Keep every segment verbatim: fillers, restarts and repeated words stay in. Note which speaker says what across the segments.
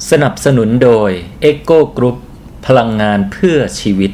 Speaker 1: สนับสนุนโดย Echo Group พลังงานเพื่อชีวิต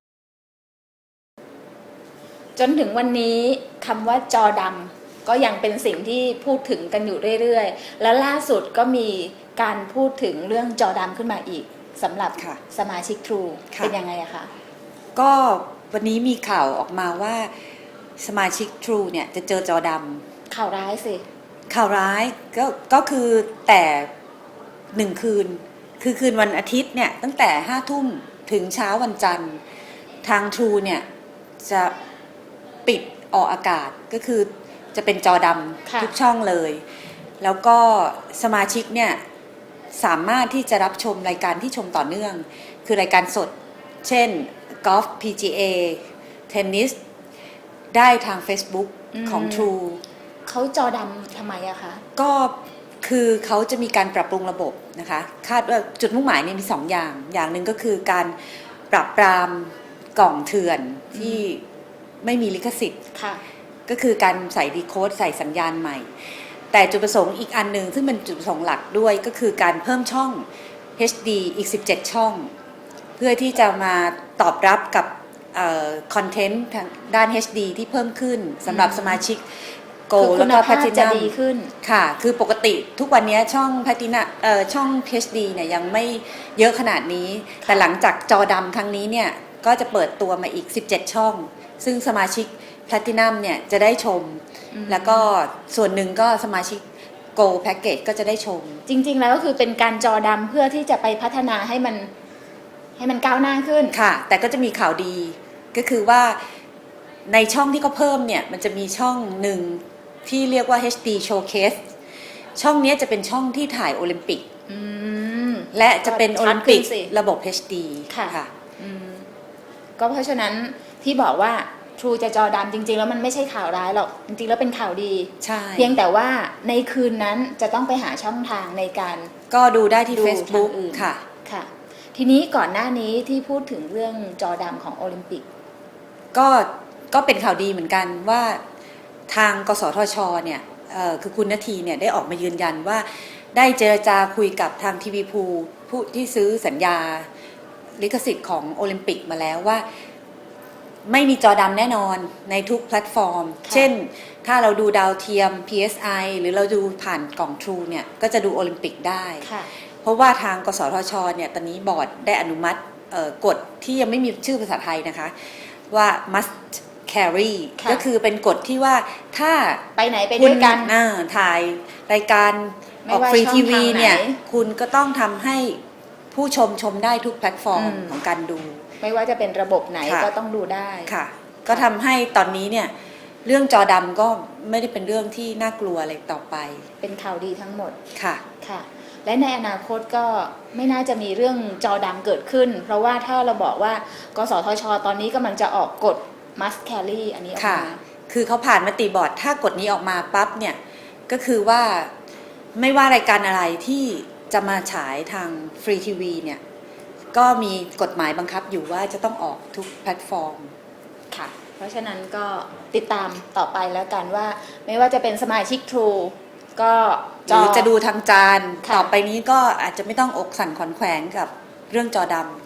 Speaker 2: จนถึงวันนี้คำว่าจอดำก็ยังเป็นสิ่งที่พูดถึงกันอยู่เรื่อยๆและล่าสุดก็มีการพูดถึงเรื่องจอดำขึ้นมาอีกสำหรับสมาชิก True เป็นยังไงอะคะ
Speaker 3: ก็วันนี้มีข่าวออกมาว่าสมาชิก True เนี่ยจะเจอจอด
Speaker 2: ำข่าวร้ายสิ
Speaker 3: ข่าวร้ายก็ก็คือแต่หนึ่งคืนคือคืนวันอาทิตย์เนี่ยตั้งแต่ห้าทุ่มถึงเช้าวันจันทร์ทาง True เนี่ยจะปิดออกอากาศก็คือจะเป็นจอดำทุกช่องเลยแล้วก็สมาชิกเนี่ยสามารถที่จะรับชมรายการที่ชมต่อเนื่องคือรายการสดเช่นกอล์ฟ พี จี เอ เทนนิสได้ทาง Facebook ของ True
Speaker 2: เขาจอดำทำไมอะคะ
Speaker 3: ก็คือเขาจะมีการปรับปรุงระบบนะคะคาดว่าจุดมุ่งหมายเนี่ยมีสองอย่างอย่างหนึ่งก็คือการปรับปรามกล่องเถื่อนที่ไม่มีลิขสิทธิ์ก็คือการใส่ดีโคดใส่สัญญาณใหม่แต่จุดประสงค์อีกอันหนึ่งซึ่งเป็นจุดประสงค์หลักด้วยก็คือการเพิ่มช่อง เอช ดี อีกสิบเจ็ดช่องเพื่อที่จะมาตอบรับกับคอนเทนต์ทางด้าน เอช ดี ที่เพิ่มขึ้นสำหรับสมาชิกโกลแล้วก็แพลตินัมค่ะคือปกติทุกวันนี้ช่องแพลตินัมเอ่อช่อง เอช ดี เนี่ยยังไม่เยอะขนาดนี้แต่หลังจากจอดำครั้งนี้เนี่ยก็จะเปิดตัวมาอีกสิบเจ็ดช่องซึ่งสมาชิกแพลตินัมเนี่ยจะได้ชมแล้วก็ส่วนหนึ่งก็สมาชิกโกลแพ็กเกจก็จะได้ชม
Speaker 2: จริงๆแล้วก็คือเป็นการจอดำเพื่อที่จะไปพัฒนาให้มันให้มันก้าวหน้าขึ้น
Speaker 3: ค่ะแต่ก็จะมีข่าวดีก็คือว่าในช่องที่เขาเพิ่มเนี่ยมันจะมีช่องหนึ่งที่เรียกว่า เอช ดี Showcase ช่องนี้จะเป็นช่องที่ถ่ายโอลิมปิกและจะเป็นโอลิมปิกระบบ เอช ดี
Speaker 2: ค่ะค่ะก็เพราะฉะนั้นที่บอกว่า True จะจอดำจริงๆแล้วมันไม่ใช่ข่าวร้ายหรอกจริงๆแล้วเป็นข่าวดีเพียงแต่ว่าในคืนนั้นจะต้องไปหาช่องทางในการ
Speaker 3: ก็ดูได้ที่ Facebook ค่ะ
Speaker 2: ค่ะทีนี้ก่อนหน้านี้ที่พูดถึงเรื่องจอดำของโอลิมปิก
Speaker 3: ก็ก็เป็นข่าวดีเหมือนกันว่าทางกสทชเนี่ยคือคุณณทีเนี่ยได้ออกมายืนยันว่าได้เจรจาคุยกับทางทีวีพูผู้ที่ซื้อสัญญาลิขสิทธิ์ของโอลิมปิกมาแล้วว่าไม่มีจอดำแน่นอนในทุกแพลตฟอร์มเช่นถ้าเราดูดาวเทียม พี เอส ไอ หรือเราดูผ่านกล่อง True เนี่ยก็จะดูโอลิมปิกได้เพราะว่าทางกสทชเนี่ยตอนนี้บอร์ดได้อนุมัติกฎที่ยังไม่มีชื่อภาษาไทยนะคะว่า must carry ก็คือเป็นกฎที่ว่าถ้า
Speaker 2: ไปไหนไปด้วยกัน
Speaker 3: ถ่ายรายการออกฟรีทีวีเนี่ยคุณก็ต้องทำให้ผู้ชมชมได้ทุกแพลตฟอร์มของการดู
Speaker 2: ไม่ว่าจะเป็นระบบไหนก็ต้องดูได้
Speaker 3: ค่ะก็ทำให้ตอนนี้เนี่ยเรื่องจอดำก็ไม่ได้เป็นเรื่องที่น่ากลัวอะไรต่อไป
Speaker 2: เป็นข่าวดีทั้งหมด
Speaker 3: ค่ะ
Speaker 2: ค่ะและในอนาคตก็ไม่น่าจะมีเรื่องจอดำเกิดขึ้นเพราะว่าถ้าเราบอกว่ากสทชตอนนี้กำลังจะออกกฎ must carry อันนี้ออกมา
Speaker 3: คือเขาผ่านมติบอร์ดถ้ากฎนี้ออกมาปั๊บเนี่ยก็คือว่าไม่ว่ารายการอะไรที่จะมาฉายทางฟรีทีวีเนี่ยก็มีกฎหมายบังคับอยู่ว่าจะต้องออกทุกแพลตฟอร์ม
Speaker 2: ค่ะเพราะฉะนั้นก็ติดตามต่อไปแล้วกันว่าไม่ว่าจะเป็นสมาชิก True ก็
Speaker 3: หรือจะดูทางจานต่อไปนี้ก็อาจจะไม่ต้องอกสั่นขวัญแขวนกับเรื่องจอดำ